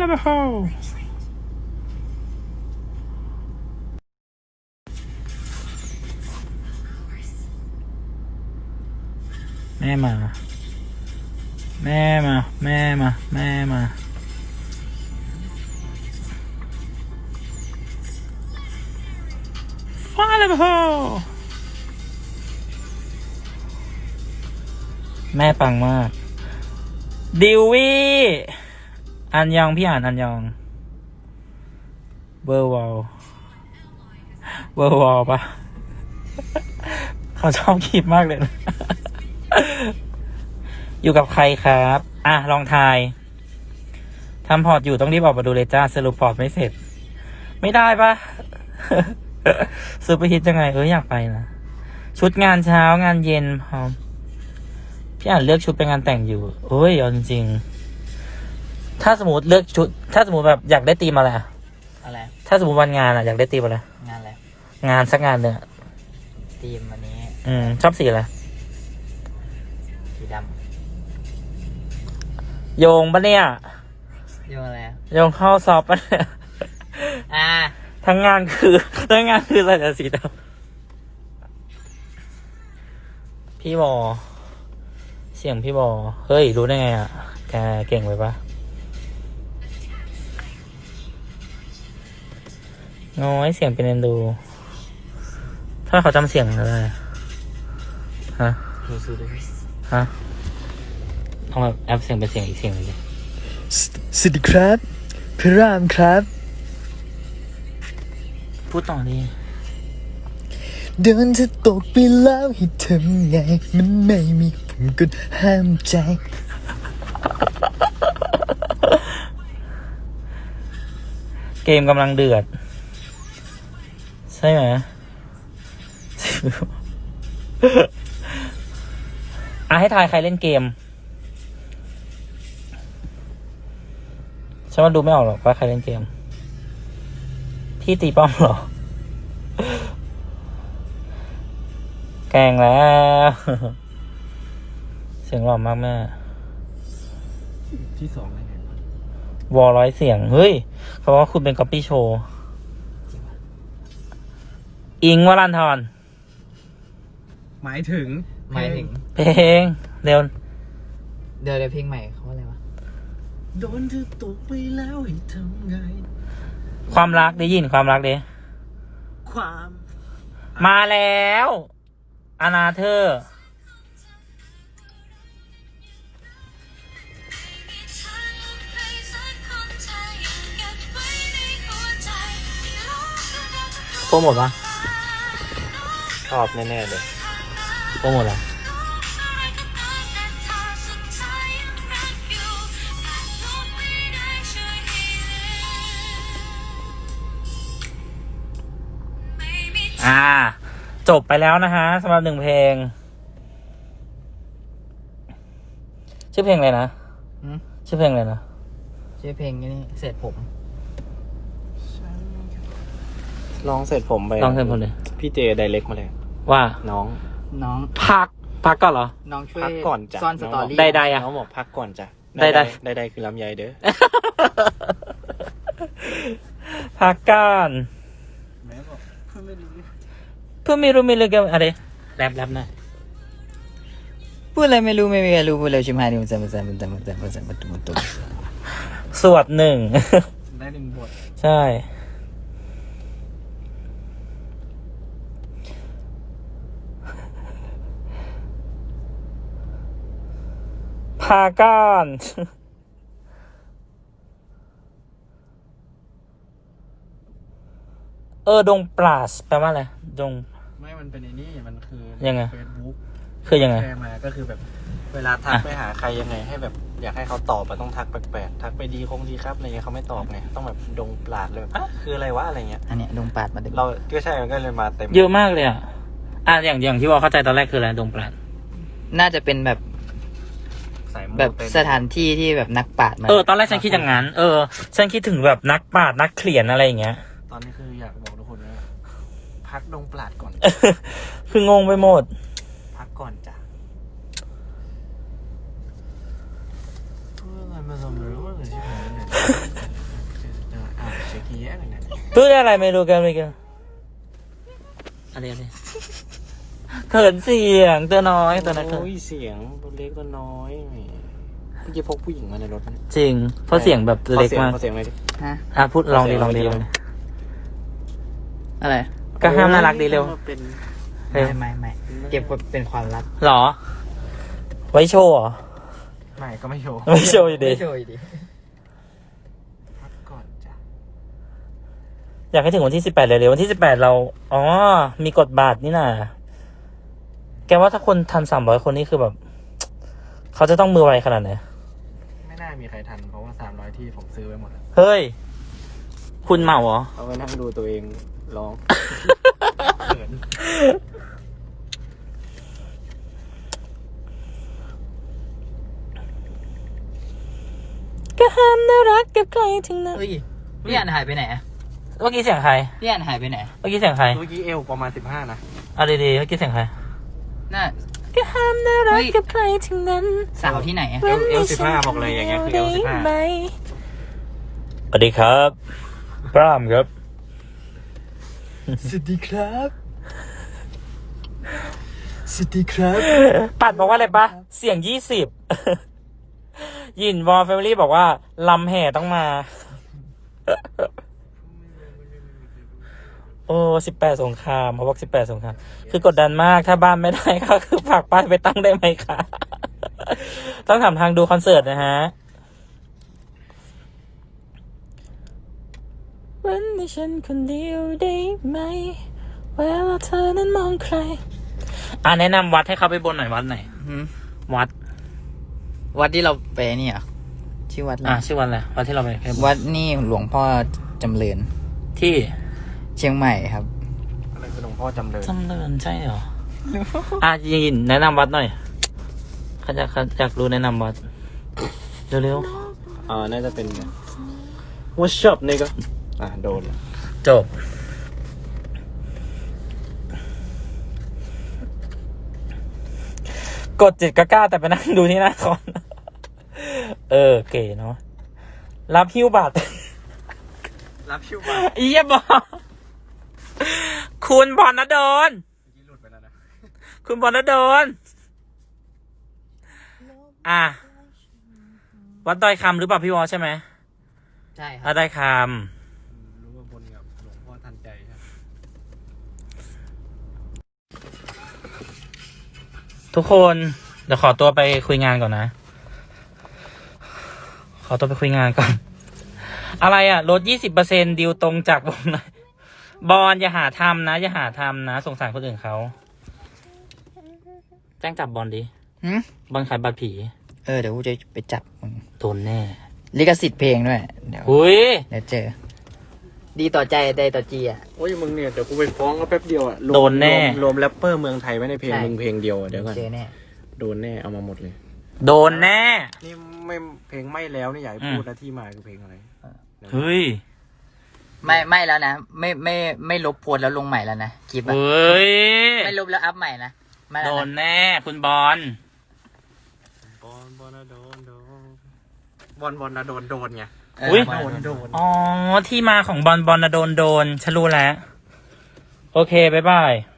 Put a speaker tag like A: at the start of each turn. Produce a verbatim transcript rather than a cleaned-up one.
A: แล้วไปเข้าแม่มาแม่มาแม่มาแม่มาฟ้าแล้วไปเข้าแม่ปังมากดิววี่อันยองพี่อ่านอันยองเบอร์วอลเบอร์วอลปะเขาชอบคลิปมากเลยนะ อยู่กับใครครับอ่ะลองทายทำพอร์ตอยู่ต้องรีบออกมาดูเลยจ้าสรุปพอร์ตไม่เสร็จไม่ได้ปะ ซูเปอร์ฮิตยังไงเอออยากไปนะชุดงานเช้างานเย็นพร้อมพี่อ่านเลือกชุดไปงานแต่งอยู่โอ้ยเอาจริงๆถ้าสมมติเลือกชุดถ้าสมมติแบบอยากได้ธีมอะไร
B: อะไร
A: ถ้าสมมติวันงานอ่ะอยากได้ธีมอะไร
B: งานอะไร
A: งานสักงานหนึ่ง
B: ธีมวันนี้
A: อืมชอบสีอะไร
B: สีด
A: ำโยงปะเนี่ย
B: โยงอะไร
A: โยงเข้าซอฟปะเนี่ย
B: อ่า
A: ทั้งงานคือทั้งงานคือใส่แต่สีดำพี่บอเสียงพี่บอเฮ้ยรู้ได้ไงอ่ะแกเก่งไปปะน้อยเสียงเป็นเอ็นดู ถ้าเขาจำเสียงได้ฮะฮะเอาแบบแอปเสียงเป็นเสียงอีกเสียงเลย
C: สวัสดีครับพระรามครับ
A: พูดต่อดิ
C: เดินจะตกไปแล้วให้ทำไงมันไม่มีผมก็ห้ามใจ
A: เกมกำลังเดือดใช่ไหมอ่ะให้ทายใครเล่นเกมฉันว่าดูไม่ออกหรอกว่าใครเล่นเกมพี่ตีป้อมเหรอแกงแล้วเสียงหล่อมากแม่
C: ที่สองอะไรเนี่
A: ยวอลร้อยเสียงเฮ้ยเพราะว่าคุณเป็นก๊อปปี้โชว์อิงวรันทร
C: หมายถึง
B: หมายถึง
A: เพลงเดี๋ยว
B: เดี๋ยวเดี๋ยวเพลงใหม่เขาอะไรวะ
C: โดนเธอตกไปแล้วให้ทำไง
A: ความรักได้ยินความรักดิ
C: ความ
A: มาแล้วอนาเธอร์โปรโมทปะ
C: ชอบแน่ๆเลย
A: โปรโมทเหรออ่าจบไปแล้วนะฮะสำหรับหนึ่งเพลงชื่อเพลงอะไรนะชื่อเพลงอะไรนะ
B: ชื่อเพลงนี่เสร็จผม
C: ลองเสร็จผมไป
A: ลองเสร็จผมเลย
C: พี่เจไดเรกมาเลย
A: ว่า
C: น้อง
B: น้อง
A: พักพักก่อนเหรอ
B: น้องช่วย
C: พักก่อนจ้ะ
B: ซ่อนสตอรี่
A: ได้ได้อะ
C: น้องบอกพักก่อนจ้ะ
A: ได้ได้
C: ได้ได้คือลำไยเด้อ
A: พักกัน
C: แม่บอกเพื่อนไม่รู้
A: เพื่อนไม่รู้ไม่รู้กันอะไรแรปแรปนะ
B: พูดอะไรไม่รู้ไม่มีใครรู้พูดอะไรชิมหายนี่มันจะมันจะมันจะมันจะมันจะมันจะมันจะ
A: สวดหนึ่ง
C: ได้หนึ่งบท
A: ใช่พาก้อนเออดงปลาสแปลว่าอะไรดง
C: ไม่มันเป็นไอ้นี่มันคือ
A: ยังไง
C: Facebook
A: คือยังไง
C: แชร์มาก็คือแบบเวลาทักไปหาใครยังไงให้แบบอยากให้เขาตอบต้องทักแปลกๆทักไปดีคงดีครับอะไรเงี้ยเขาไม่ตอบไงต้องแบบดงปลาดเลยอ่ะคืออะไรวะอะไรเงี้ย
B: อันเนี้ยดงปลาดมา
C: เราก็ใช่มันก็เลยมาเต็ม
A: เยอะมากเลยอ่ะอ่ะอย่างอย่างที่ว่าเข้าใจตอนแรกคืออะไรดงปลาด
B: น่าจะเป็นแบบแบบสถานที่ที่แบบนักปราชญ์มา
A: เออตอนแรกฉันคิดอย่างนั้นเออฉันคิดถึงแบบนักปราชญ์นักเขียนอะไรอย่างเงี้ย
C: ตอนนี้คืออยากบอกทุกคนว่าพักดงปราดก่อน
A: คืองงไปหมด
C: พักก่อนจ้ะอะไรมาสมรู้ว่าอะไรที่ไหนเนี่ย
A: อะไรไม่รู้กันไม่กันอะไรอะไรเขินเสียงตัวน้อยตัวนั้นเขิน
C: โอ้ยเสียงตัวเล็กตัวน้อยแหมเมื่อกี้พกผู้หญิงมาในรถนะ
A: จริง เพราะเสียงแบบเล็กมาก
C: ขอเสียงขอเสียงเลยดิ
B: ฮะ
A: อ่ะพูดลองดีลองดีลองดี
B: อะไร
A: ก็ห้ามน่ารักดีเร็ว
C: เป็น
A: เร็ว
B: ไม่ไม่ไม่เก็บไว้เป็นความลับ
A: หรอ ไว้โชว์เหรอ
C: ไม่ก็ไม่โชว์
A: ไม่โชว์อยู่ดี
B: ไม่โชว์อยู่ดี
C: พักก่อนจ้ะ
A: อยากให้ถึงวันที่สิบแปดเร็วๆวันที่สิบแปดเรา อ๋อ มีกฎบาทนี่น่ะ แกว่าถ้าคนทันสามร้อยคนนี่คือแบบ เขาจะต้องมือไวขนาดไหน
C: ไม่น่ามีใครทันเพราะว่าสามร้อยที่ผมซื้อไว้หมดแล้ว
A: เฮ้ย คุณเหมาเหรอ
C: เอาไว้นั่งดูตัวเองร้องเขิน
A: ก็ห้ามน่ารักกับใครทั้งนั้น
B: เฮ้ยพี่อันหายไปไหนอะ
A: เมื่อกี้เสียงใคร
B: พี่อันหายไปไหน
A: เมื่อกี้เสียงใคร
C: เมื่อกี้เอวประมาณสิบห้านะ
A: เอาดีๆเมื่อกี้เสียงใคร
B: น่า
A: ก็ห้ามน่ารักกับใครทั้งนั้น
B: สาวที่ไหนอะ
C: เอวเอวสิบห้าบอกเลยอย่างเงี้ยคือเอวสิบห้า
A: สวัสดีครับปรามครับ
B: สวัสดีครับสวัสดีครับ
A: ปัดบอกว่าอะไรปะเสียงยี่สิบ ยินวอลแฟมิลี่บอกว่าลำแห่ต้องมา โอ้สิบแปดสงครามเขาบอกสิบแปดสงคราม คือกดดันมากถ้าบ้านไม่ได้ก็คือฝากป้ายไปตั้งได้ไหมคะ ต้องถามทางดูคอนเสิร์ตนะฮะ วันนี้ฉันคนเดียวได้ไหมเวลาเธอนั้นมองใคร อ่ะแนะนำวัดให้เขาไปบนหน่อยวัดไหน
B: หืม
A: วัด
B: วัดที่เราไปนี่เหรอชื่อวัดอะไร
A: อ่ะชื่อวัดอะไรวัดที่เราไปแค่
B: วัดนี่หลวงพ่อจำเริญ
A: ที่
B: เชียงใหม่ครับ
C: อะไรคือหลวงพ่อจำเลย
A: จำเริญใช่เหรอ อ่ะยินแนะนำวัดหน่อยเขาจะเขาอยากรู้แนะนำวัด เร็ว
C: อ่าน่าจะเป็นว่าชอบนี่ก็อ่าโดนละ
A: ๆ จบ กดจิตก็กล้าแต่ไปนั่งดูที่หน้าคอน เออ เก๋เนาะ รับหิ้วบัตร
C: รับชิวบ้า
A: อียบอคุณบอลนะโดน
C: เมื่อกี้หลุดไปแล้วนะ
A: คุณบอลนะโดน อ่ะ วัดดอยคำหรือเปล่าพี่วอใช่ไหม
B: ใช่ค
A: วั
B: รั
A: ด
B: บ
A: ดอยค
C: รู้ว่าบนกับหลวงพ่อทันใจใช่ไหม
A: ำทุกคน เดี๋ยวขอตัวไปคุยงานก่อนนะ ขอตัวไปคุยงานก่อน อะไรอ่ะ ลดยี่สิบเปอร์เซ็นดิวตรงจากวงไหนบอลอย่าหาทำนะ อย่าหาทำนะ สงสารคนอื่นเขา แจ้งจับบอลดิ
B: หืม
A: บอลขายบัตรผี
B: เออเดี๋ยวกูจะไปจับมึง
A: โดนแน่
B: ลิขสิทธิ์เพลงด้วย เดี๋ยว
A: อุ้ย
B: เดี๋ยวเจอ ดีต่อใจใจต่อจีอ่ะ
C: โอ้ยมึงเนี่ยเดี๋ยวกูไปฟ้องก็แป๊บเดียวอ่ะรวม
A: โดนแน่
C: รวมรวมแรปเปอร์เมืองไทยไว้ในเพลง
B: ใช่
C: มึงเพลงเดียวอะเดี๋ยวก่อน
B: เจอแน่
C: โดนแน่เอามาหมดเลย
A: โดนแน่
C: นี่ไม่เพลงไม่แล้วนี่อยากให้พูดนะที่มาคือเพลงอะไร
A: เฮ้ย
B: ไม่ไม่แล้วนะ ไม่ไม่ไม่ลบโพสต์แล้วลงใหม่แล้วนะคลิปอะ
A: เฮ้ย
B: ไม่ลบแล้วอัพใหม่นะไม่
A: โด
B: แล้ว
A: น
B: นะ
A: แน่คุณบอล
C: บอลบอลนะโดนโดนบอลบอลนะโดนโดนไง
B: เออมา
C: โดนโดน
A: อ๋อ ที่มาของบอลบอลนะโดนโดนฉันรู้แล้ว โอเค บ๊ายบาย